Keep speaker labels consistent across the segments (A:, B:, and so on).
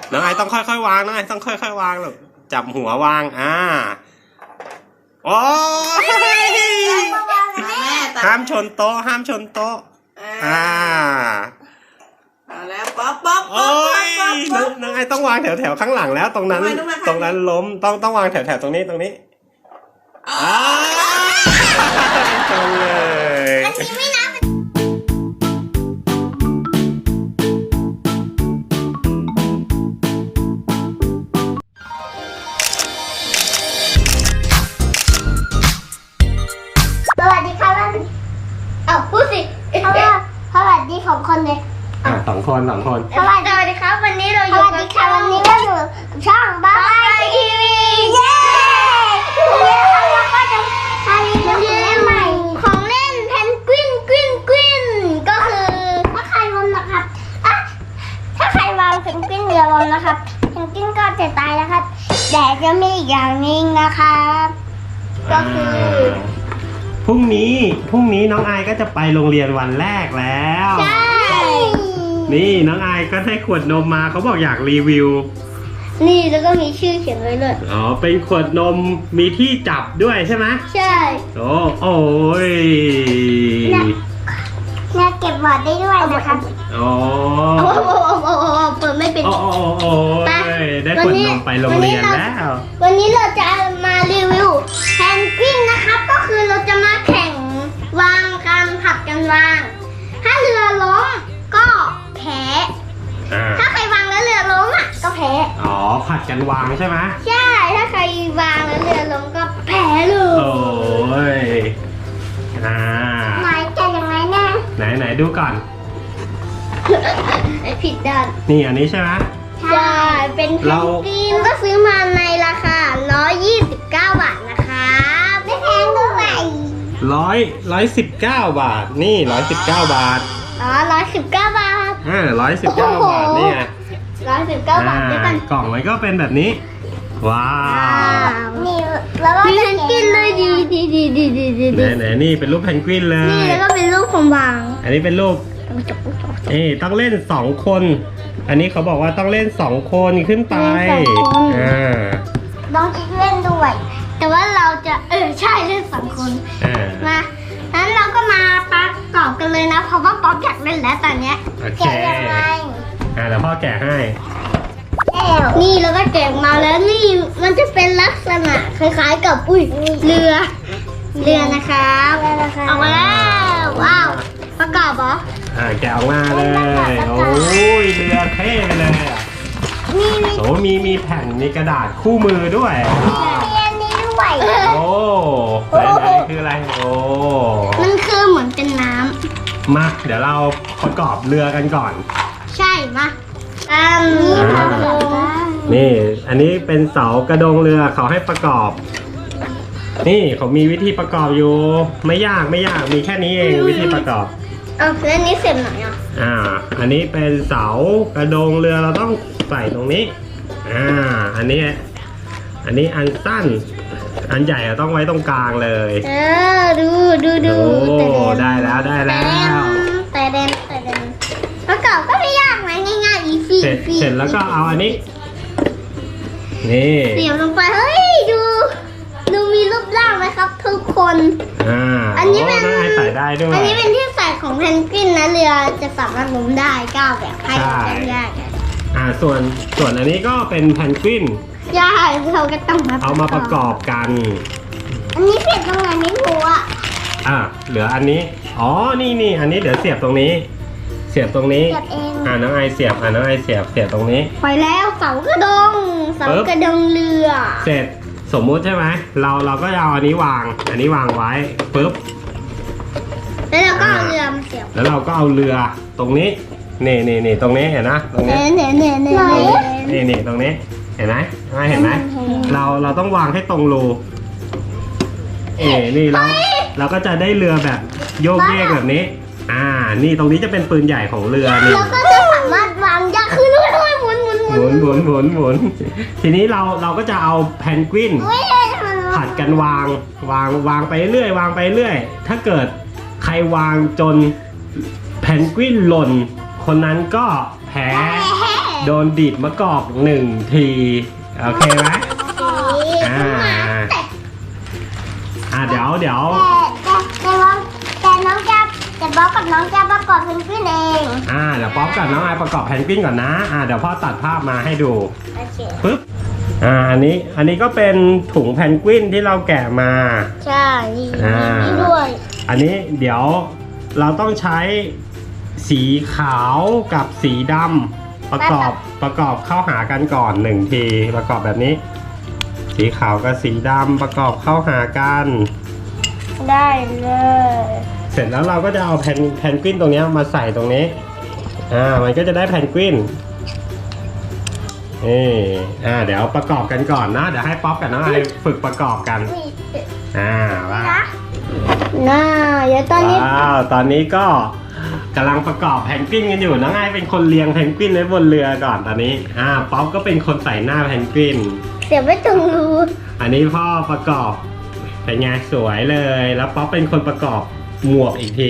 A: น้องไอต้องค่อยๆวางน้องไอต้องค่อยๆวางลูกจับหัววางโอ้ยห้ามชนโต๊ะห้ามชนโต๊ะ
B: เอาแล้วป๊อปป๊อป
A: โอ้ยน้องไอต้องวางแถวๆข้างหลังแล้วตรงนั้นล้มต้องวางแถวๆตรงนี้ชนเลย
C: อันนี้ไม่นับสวัสดีค่ะพูดสิสวัสดีของคนเลย
A: สองคน
C: สวัสดีครับวันนี้เราอยู่กับช่องบ้าทีวีเย้วันนี้เราก็จะมารีวิวใหม่ของเล่นเพนกวินก็คือถ้าใครวางนะครับถ้าใครวางเพนกวินเรือลมนะครับเพนกวินก็จะตายนะครับแต่จะมีอีกอย่างนึงนะครับก็คือ
A: พรุ่งนี้น้องไอก็จะไปโรงเรียนวันแรกแล้ว
C: ใช่
A: นี่น้องไอก็ได้ขวดนมมาเขาบอกอยากรีวิว
C: นี่แล้วก็มีชื่อเขียนไว้เลย
A: เป็นขวดนมมีที่จับด้วยใช่ไหม
C: ใช่
A: โอ้ย
C: เนี่ยเก็บบอร์ดได้ด้วยนะครับเปิดไม่เป็น
A: ได้ขวดนมไปโรงเรียนแล้ว
C: วันนี้เราจะมารีวิวเพนกวินนะครับก็คือเราจะมาแข่งวางกันผัดกันวางถ้าเรือล้มก็แพ้ถ้าใครวางแล้วเรือล้มก็แพ้
A: ผัดกันวางใช่ไหม
C: ใช่ถ้าใครวางแล้วเรือล้มก็แพ้เลย
A: โอ้ย
C: ไหนจะยังไงแน่
A: ไหนดูก่อน
C: ผิดด้าน
A: นี่อันนี้ใช่ไหม
C: ใช่เป็นเพนกวินก็ซื้อมาในราคา129 บาทนะคะไม่แพงด้วย
A: 119 บาทนี่119 บาท
C: 119 บาท
A: 119 บาทนี่ไง
C: 119 บาทด้วยกัน
A: กล่องมันก็เป็นแบบนี้ว้าว
C: นี่แล้วก็เพนกวินเลยดี
A: ไหนนี่เป็นรูปเพนกวินเลย
C: นี่แล้วก็เป็นรูปของวาง
A: อันนี้เป็นรูปต้องเล่น2 คนอันนี้เขาบอกว่าต้องเล่น2 คนขึ้นไป
C: ต้องคิดเล่นด้วยแต่ว่าเราจะใช่เล่น2 คนมางั้นเราก็มาประกอบกันเลยนะเพราะว่าป๊อปอยากเล่นแล้วตอนเนี้ย
A: แกะยังไงเดี๋ยวพ่อแกะให้
C: นี่แล้วก็แกะมาแล้วนี่มันจะเป็นลักษณะคล้ายๆกับเรือนะครับออกมาแล้วว้าวประกอบเหรอ
A: แกะออกมาเลยโอ้ยเรือเท่ไปเลยมีแผ่นมีกระดาษคู่มือด้วย
C: มีอันนี้ด้วย
A: ไหนคืออะไร
C: มันคือเหมือนเป็นน้
A: ำมาเดี๋ยวเราประกอบเรือกันก่อน
C: ใช่มา
A: นี่อันนี้เป็นเสากระดงเรือเขาให้ประกอบนี่เขามีวิธีประกอบอยู่ไม่ยากมีแค่นี้เองวิธีประกอบ
C: แล้วนี้เสร็จไหน
A: อันนี้เป็นเสากระดงเรือเราต้องใส่ตรงนี้อันนี้อันสั้นอันใหญ่ต้องไว้ตรงกลางเลย
C: ดู
A: ได้แล้ว
C: แต่เด่นประกอบก็ไม่ยากนะง่ายๆอีฟี่
A: เสร็จแล้วก็เอาอันนี้นี่
C: เสียบลงไปเฮ้ยดูมีรูปร่างไหมครับทุกคน
A: อันนี้เป็นใส่ได้ด้วย
C: อันนี้เป็นที่ใส่ของเพนกวินนะเรือจะสามารถล้มได้ก้าวแบบให้ได้
A: ส่วนอันนี้ก็เป็นเพนกวิน
C: ใช่เราก็ต้อง
A: เอามาประกอบกัน
C: อันนี้เสียบตรงไหนไม่รู้
A: เหลืออันนี้นี่อันนี้เดี๋ยวเสียบตรงนี้น้องไอเสียบน้องไอเสียบตรงนี้
C: ไปแล้วเสากระดงเรือ
A: เสร็จสมมุติใช่ไหมเราก็เอาอันนี้วางไว้ปุ๊บ
C: แล้วเราก็เอาเรือมาเสียบ
A: แล้วเราก็เอาเรือตรงนี้นี่ตรงนี้เห็นนะตรงนี้นี่ตรงนี้เห็นไหมเราต้องวางให้ตรงรูนี่เราก็จะได้เรือแบบโยกเยกแบบนี้นี่ตรงนี้จะเป็นปืนใหญ่ของเรือนี่
C: แล้วก็จะสามารถวางยากขึ้นด้วยห
A: มุนทีนี้เราก็จะเอาเพนกวินผัดกันวางไปเรื่อยถ้าเกิดใครวางจนเพนกวินหล่นคนนั้นก็แพ้โดนดีดมะกอก1 ทีโอเคไหมเดี๋ยว
C: แต่น้องจะแต่บ๊อบกับน้องจะประกอบเพนกวินเอง
A: เดี๋ยวป๊อปกับน้องไอประกอบแพนกวินก่อนนะเดี๋ยวพ่อตัดภาพมาให้ดู
C: โอเค
A: ปึ๊บอันนี้ก็เป็นถุงแพนกวินที่เราแกะมา
C: ใช่นี่ด้วย
A: อันนี้เดี๋ยวเราต้องใช้สีขาวกับสีดำประกอบเข้าหากันก่อน1 ทีประกอบแบบนี้ สีขาวกับสีดำประกอบเข้าหากัน
C: ได้เลย
A: เสร็จแล้วเราก็จะเอาแพนกวินตรงนี้มาใส่ตรงนี้มันก็จะได้แพนกวินเดี๋ยวประกอบกันก่อนนะเดี๋ยวให้ป๊อปกับน้องไอฝึกประกอบกันว่า
C: เดี๋ยวตอนนี้
A: ตอนนี้ก็กำลังประกอบแพนกวินกันอยู่น้องไอเป็นคนเรียงแพนกวินไว้บนเรือก่อนตอนนี้ป๊อปก็เป็นคนใส่หน้าแพนกวิน
C: เสียบไว้ตรงรู
A: อันนี้พ่อประกอบเป็นไงสวยเลยแล้วป๊อปเป็นคนประกอบหมวกอีกที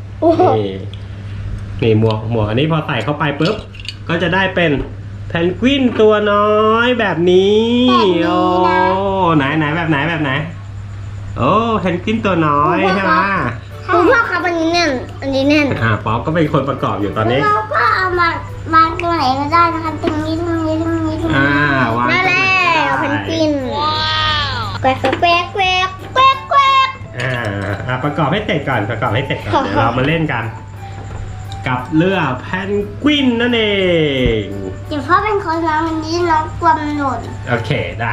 A: นี่หมวกอันนี้พอใส่เข้าไปปุ๊บก็จะได้เป็นแพนกวินตัวน้อยแบบนี้โอ้ไหนแบบไหนโอ้แพนกวินตัวน้อยใช่ไหม
C: คุณพ่อครับอันนี้แน่น
A: ป๊อปก็เป็นคนประกอบอยู่ตอนนี้
C: เราก็เอามาตรงไหนก็ได้นะคะตรงนี้
A: วาง
C: นั่นแหละแพนกวินแกวก
A: ประกอบให้เสร็จก่อนเดี๋ยวเรามาเล่นกัน กับเรือแพนกวินนั่นเอง
C: เดี๋ยวพ่อเป็นคนน้องวันนี้น้องกลัวมันหล่น
A: โอเคได้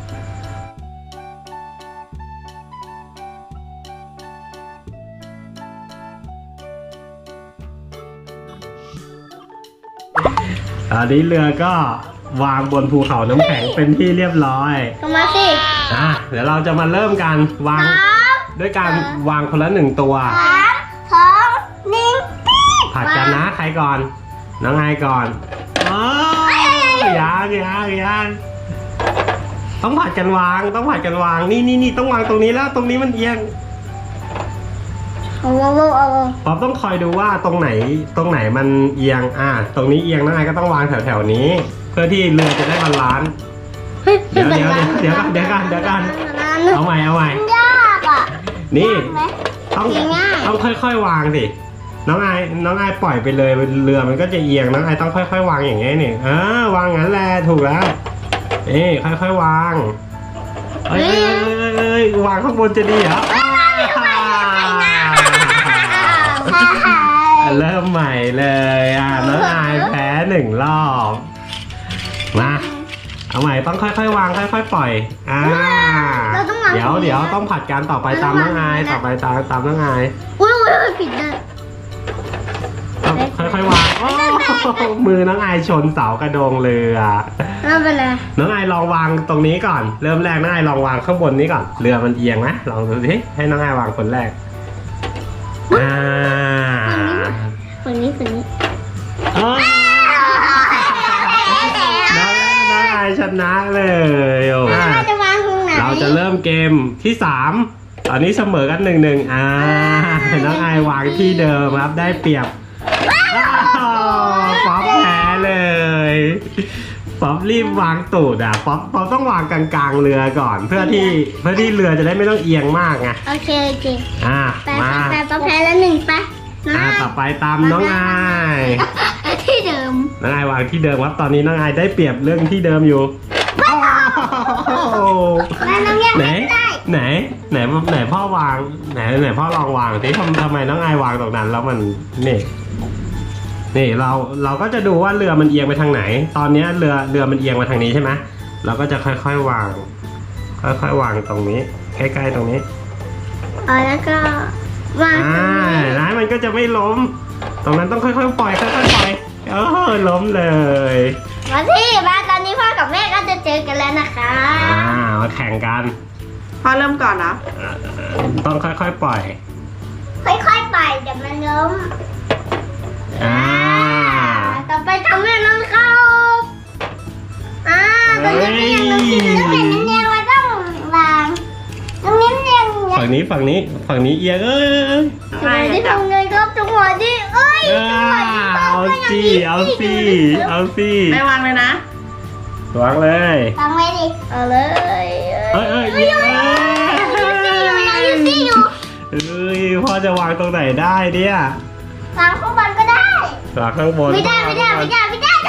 A: ตอนนี้เรือก็วางบนภูเขาน้ำแข็งเป็นที่เรียบร้อย
C: มาสิ
A: เดี๋ยวเราจะมาเริ่มกันวางด้วยการวางคนละ1 ตัวผัดกันนะใครก่อนน้องไอก่อนยังต้องผัดกันวางนี่ต้องวางตรงนี้แล้วตรงนี้มันเอียงป๊อปต้องคอยดูว่าตรงไหนมันเอียงตรงนี้เอียงน้องไอก็ต้องวางแถวนี้เพื่อที่เรือจะได้บาลานซ์เดี๋ยวกันเอาใหม่
C: ยาก
A: นี่ต้องค่อยๆวางดิน้องไอปล่อยไปเลยเรือมันก็จะเอียงน้องไอต้องค่อยๆวางอย่างงี้นี่วางงั้นแหละถูกแล้วค่อยๆวางวางข้างบนจะดีเหรอเริ่มใหม่เลยน้องไอแพ้1 รอบมาเอาใหม่ต้องค่อยๆวางค่อยๆปล่อยเดี๋ยวต้องผัดกันต่อไปตามน้องไอตามน้องไอ
C: ผิดเลย
A: ค่อยๆวางมือน้องไอชนเสากระโดงเรือ
C: ไม่เป็นไร
A: น้องไอลองวางตรงนี้ก่อนเริ่มแรกน้องไอลองวางข้างบนนี้ก่อนเรือมันเอียงไหมลองดูสิให้น้องไอวางคนแรก
C: ฝั่งนี้
A: น้องไอชนะเลยเราจะเริ่มเกมที่3ตอนนี้เสมอกัน1-1น้องไอวางที่เดิมครับได้เปรียบป๊อปแพ้เลยป๊อปรีบวางตูดป๊อปต้องวางกลางๆเรือก่อนเพื่อที่เรือจะได้ไม่ต้องเอียงมากไง
C: โอเค
A: มา
C: แต่ป๊อปแพ้แล้ว1ไป
A: ต่อไปตามน้องไอ
C: ที่เดิม
A: น้องไอวางที่เดิมครับตอนนี้น้องไอได้เปรียบเรื่องที่เดิมอยู่ไหนพ่อวางไหนพ่อลองวางสิทำไมน้องไอวางตรงนั้นแล้วมันนี่เราก็จะดูว่าเรือมันเอียงไปทางไหนตอนนี้เรือมันเอียงมาทางนี้ใช่ไหมเราก็จะค่อยๆวางตรงนี้ใกล้ๆตรงนี้
C: แล้วก็วาง
A: นะมันก็จะไม่ล้มตรงนั้นต้องค่อยๆปล่อยล้มเลย
C: มาตอนนี้พ่อกับแม่ก็จะเจอกันแล้วนะคะ
A: มาแข่งกัน
B: พ่อเริ่มก่อนนะ
A: ต้องค่อยๆปล่อย
C: เดี๋ยวมันล้มต่อไปทำให้น้องเข้าตอนนี้ยังน้องกินแล้วเห็นน้ำแดงเราต้องวางน้ำแดง
A: ฝั่งนี้เอียง
C: ไม่ได้ทำไงครับจังหวะที่
A: เอาสิเอาสิเอาสิ
B: แม่วางเลยนะ
A: วางเลย
C: ฟังไว้ดิเอาเลย
A: เอ้ย
C: ยูซี่อยู่
A: เอ้ยพ่อจะวางตรงไหนได้เนี่ยว
C: างข้างบนก็ได้
A: วางข้างบน
C: ไม่ได้ตรงนั้นไม่ได้ได้ได้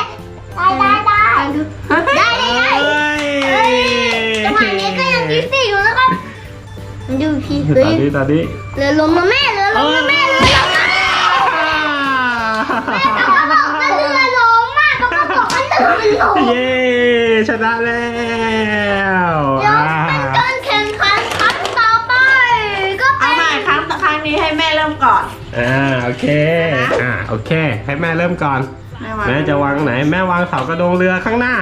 C: จังหวะนี้ก็ยังยูซี่อยู่นะครับดูพี่
A: ตอนนี้
C: เรือลมนะแม่เรือลมนะแม่เรือลมนะเขาบอกว่าเรือลมมากเขาบอกว่าเรือมันลม
A: เย้ชนะแล้ว
C: เดี๋ยวเป็นการแข่งขันครั้งต่อไปก็
B: เอาใหม่ครั้งนี้ให้แม่เริ่มก่อน
A: โอเคโอเค ให้แม่เริ่มก่อน
B: วาง
A: แม่จะวางไหนแม่วางเสากระโดงเรือข้างหน้า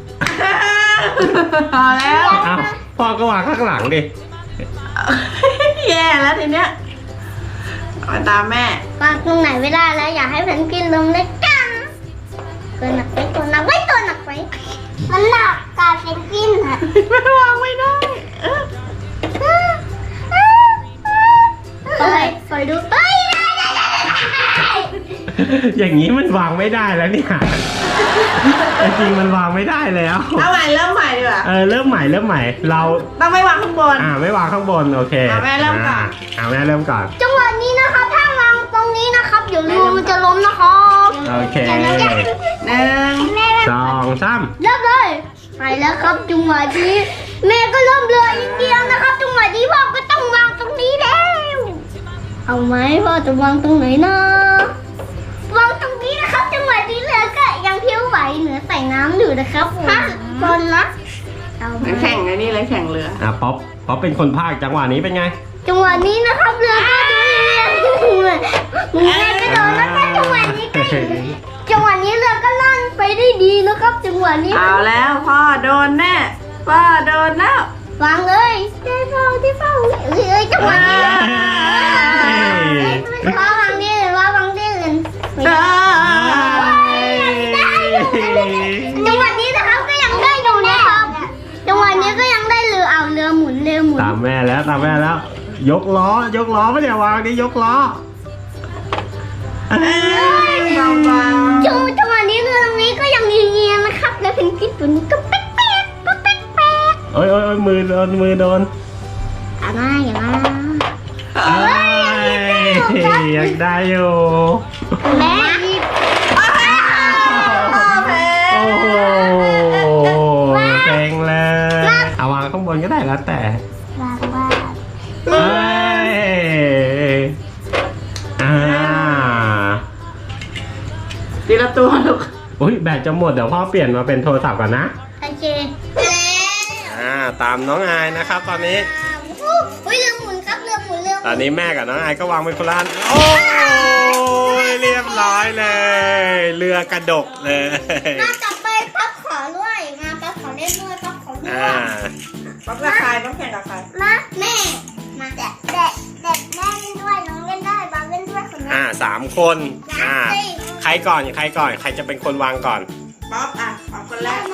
B: พอแล้ว
A: อ้าวพ่อก็วางข้างหลังดิ
B: แย่แล้วทีเนี้ยเอาตามแม่
C: วางตรงไหนไม่ได้แล้วอยากให้เพนกวินลงด้วยกันตัวหนักไว้ตัวหนักไว้ตัวหนักไว้มันหนักกับเพนกวินอะ
B: ไม่วางไม่ได้
C: คอยดูเฮ้ย
A: อย่างนี้มันวางไม่ได้แล้วเนี่ยจริงมันวางไม่ได้แล้ว
B: เอาใหม่เริ่มใหม่ดีกว่า
A: เริ่มใหม่เรา
B: ต้องไม่วางข้างบน
A: ไม่วางข้างบนโอเค
B: แม่เริ่มก่อน
A: แม่เริ่มก่อน
C: จังหวะนี้นะครับถ้าวางตรงนี้นะครับเดี๋ยวเรือมันจะล้มนะครับ
A: โอเค
B: หนึ่ง
A: 2 3
C: เริ่มเลยไปแล้วครับจังหวะนี้แม่ก็เริ่มเรืออีกเดียวนะครับจังหวะนี้พ่อก็ต้องวางตรงนี้แล้วเอาไหมพ่อจะวางตรงไหนนะวางตรงนี้นะครับจังหวะนี้เรือก็ยังเพี้ยวไหวเหนือใส่น้ำอยู่นะครับบนนะเอาไหม
B: แข่งไอ้นี่เลยแข่งเรือ
A: ป๊อปเป็นคนภาคจังหวะนี้เป็นไง
C: จังหวะนี้นะครับเรือก็จะมึงไงก็โดนแล้วก็จังหวะนี้ก็จังหวะนี้เรือก็ลั่นไปได้ดีนะครับจังหวะนี้
B: เอาแล้วพ่อโดนแน่พ่อโดนแล้ว
C: วางเลยที่เฝ้าจังหวะนี้ว่าวางนี่เลยว่าวางนี่เลยจังหวะนี้นะครับก็ยังได้อยู่นะครับจังหวะนี้ก็ยังได้เรือเอาเรือหมุน
A: ตามแม่แล้วยกล้ไม่เดี๋ยววางนี่ยกล้อ
B: เบา
C: จังหวะนี้เรือตรงนี้ก็ยังเงียบๆนะครับแล้วเพนกวินตัวนี้ก็แป๊ก
A: โอ้ยมือโดน
C: อย่ามา
A: ยังได้อยู่
C: แม่หยิบ
A: โอ้โหเซ็งเลยเอาวางข้างบนก็ได้แล้วแต่
C: วาง
A: เฮ้ย
B: ทีละตัวลูก
A: อุ้ยแบตจะหมดเดี๋ยวพ่อเปลี่ยนมาเป็นโทรศัพท์ก่อนนะ
C: โอเค
A: ตามน้องอายนะครับตอนนี้
C: อุ้ยเรือหมุนครับเรือหมุน
A: ตอนนี้แม่กับน้องอายก็วางเป็นคนละอันโอ้ยเรียบร้อยเลย เรือกระดกเลย
C: มาจับไปพับขอด้วยมาพับขอเล่นด้วยพับขอด้วย
B: ป๊อปกับใครป๊อปแข่งกับใคร
C: มาแม่มาแม่เล่นด้วยน้องเล่นได้บางเล่นด้วยคนนี้
A: 3 คนใครก่อนใครจะเป็นคนวางก่อน
B: ป๊อปป๊อปคนแรก
C: ไม่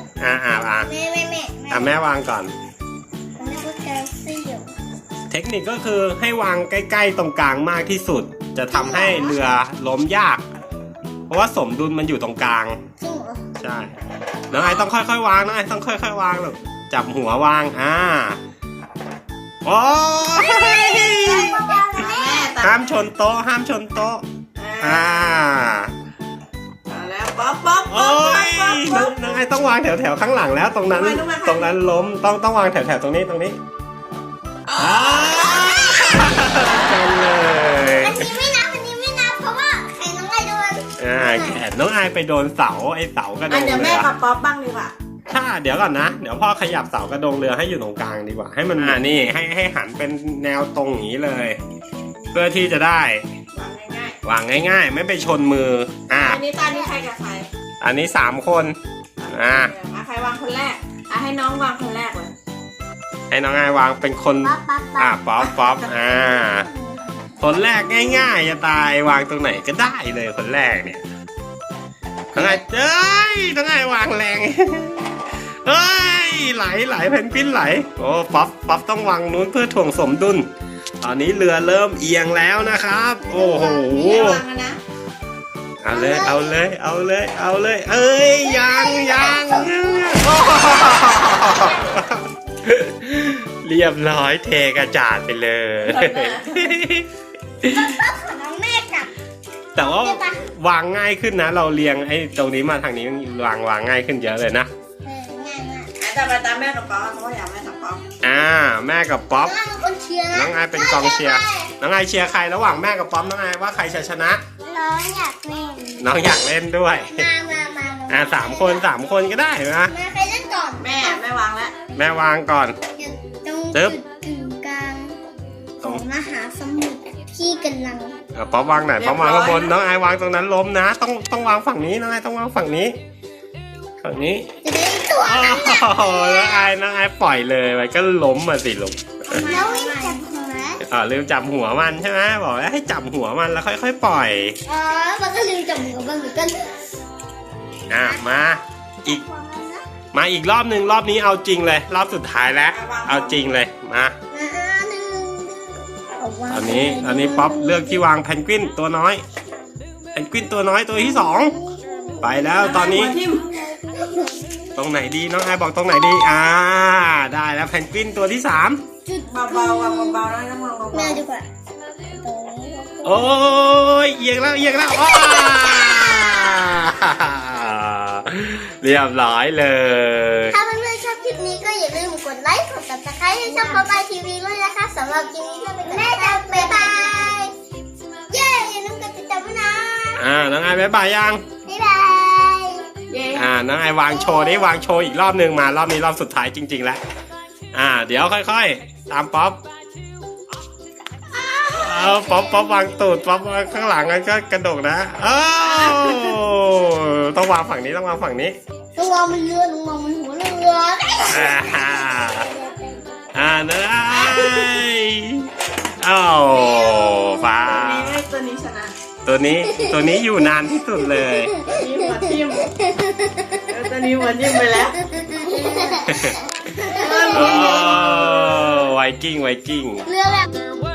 A: แม่วางก่อน
C: ผมเรียกว่าแกลซี่อยู่
A: เทคนิคก็คือให้วางใกล้ๆตรงกลางมากที่สุด จะทำให้เรือล้มยาก เพราะว่าสมดุลมันอยู่ตรงกลาง
C: จริงเหรอ
A: ใช่น้องไอต้องค่อยๆวางน้องไอต้องค่อยๆวางลูกจับหัววางโอ้ย
B: แม่ตั
A: ห้า
B: ด
A: มชนโต๊ะ
B: เอาแล้วป๊อป
A: โอ้ยน้องไอต้องวางแถวๆข้างหลังแล้วตรงนั้นล้มต้องวางแถวๆตรงนี้กันเลย
C: อันนี้ไม่นับเพราะว่าใครน้องไอโดน
A: แขนน้องไอไปโดนเสาไอเสากระโดง
B: เดี๋ยว
A: เรื
B: แม่
A: อ
B: กับป๊อปบ้างดีกว่า
A: เดี๋ยวก่อนนะเดี๋ยวพ่อขยับเสากระโดงเรือให้อยู่ตรงกลางดีกว่าให้มันนี่ให้หันเป็นแนวตรงอย่างนี้เลย เพื่อที่จะได้
B: วางง่ายว
A: างง่ายๆ ไม่ไปชนมือ
B: อันนี้ตานี่ใครกับใคร
A: อันนี้3 คน
B: ใครวางคนแรกให้น้องวางคนแรกเลย
A: ให้น้องไอวางเป็นคนป๊อปคนแรกง่ายๆจะตายวางตรงไหนก็ได้เลยคนแรกเนี่ยน้องไอน้องไอวางแรงเฮ้ยไหลเพนกวินไหลโอ้ป๊อปต้องวางนู้นเพื่อถ่วงสมดุลอนนี้เรือเริ่มเอียงแล้วนะครับ โอ้โห
B: ระวังนะ
A: เอาเลย เอ้ยยังโอ้โหเรียบร้อยเทกระจาดไปเลย
C: ของน้องแม่กับ
A: แต่ว่าวางง่ายขึ้นนะ เราเรียงไอ้ตรงนี้มาทางนี้วางง่ายขึ้นเยอะเลยนะ
C: ง่ายมาก
B: จะไปตามแม่กับป๊อเพราะว่าอยากแม่กับป๊อ
A: แม่กับป๊อป
C: น้องเป็นคนเชียร์นะ
A: น้องไอเป็นกองเชียร์ น้องไอเชียร์ใครระหว่างแม่กับป๊อปน้องไอว่าใครจะชนะ
C: น้องอยากเล่น
A: น้องอยากเล่นด้วย
C: มา
A: สามคนก็ได้นะ
C: มาใครเล่นก่อน
B: แม่วางแล้ว
A: แม่วางก่อน
C: ตรง
A: จึ๊
C: จุ
A: บ
C: ดกึ่งกลางของมหาสมุทรที่กำลัง
A: ป๊อปวางไหนป๊อปวางข้างบน น้องไอวางตรงนั้นล้มนะ ต้องวางฝั่งนี้น้องไอต้องวางฝั่งนี้ ฝั่งนี้
C: จะได้ตัว
A: โอ้โหน้องไอปล่อยเลยมันก็ล้มมาสิลูก
C: แล้ววิ่งจับหัว
A: ลืมจับหัวมันใช่ไหมบอกว่าให้จับหัวมันแล้วค่อยๆปล่อย
C: อ๋อมันก็ลืมจับหัวมันเหมือนกัน
A: มาอีกรอบหนึ่งรอบนี้เอาจริงเลย รอบสุดท้ายแล้ว เอาจริงเลยมาตอนนี้ป๊อปเลือกที่วางแพนกวินตัวน้อยแพนกวินตัวน้อยตัวที่สองไปแล้วตอนนี้ ตรงไหนดีน้องไอบอกตรงไหนดีได้แล้วแพนกวินตัวที่สาม
B: เบาๆวางเบาๆแล้วต้องวางเบา
C: แม่ดีกว่า
A: โอ้ยเอียงแล้วว้าเรียบร้อยเลย
C: ถ้าเพื่อนๆชอบคลิปนี้ก็อย่าลืมกดไลค์กด subscribe ให้ช่องป๊อปอายทีวีด้วยนะคะสำหรับคลิปนี้ก็เป็นแม่จะบ๊ายบายเย้อย่าลืมกดติดตามด้วยนะ
A: น้องไอบ๊ายบายยัง
C: บ๊ายบาย
B: เย้
A: น้องไอวางโชว์วางโชว์อีกรอบหนึ่งมารอบนี้รอบสุดท้ายจริงๆแล้วเดี๋ยวค่อยๆตามป๊อปป๊อปวางตูดป๊อปวางข้างหลังก็กระดกนะต้องวางฝั่งนี้ต้องวางฝั่งนี้
C: ลุงมองมันเรือลุงมองมันหัวเรือ
A: เนยฟ้า
B: ตัวนี้ชนะ
A: ตัวนี้อยู่นานที่สุดเลย
B: นี่หัวทิ่มตัวนี้หัวทิ่มไปแล้ว
A: ไวกิ้ง
C: เรือแบบ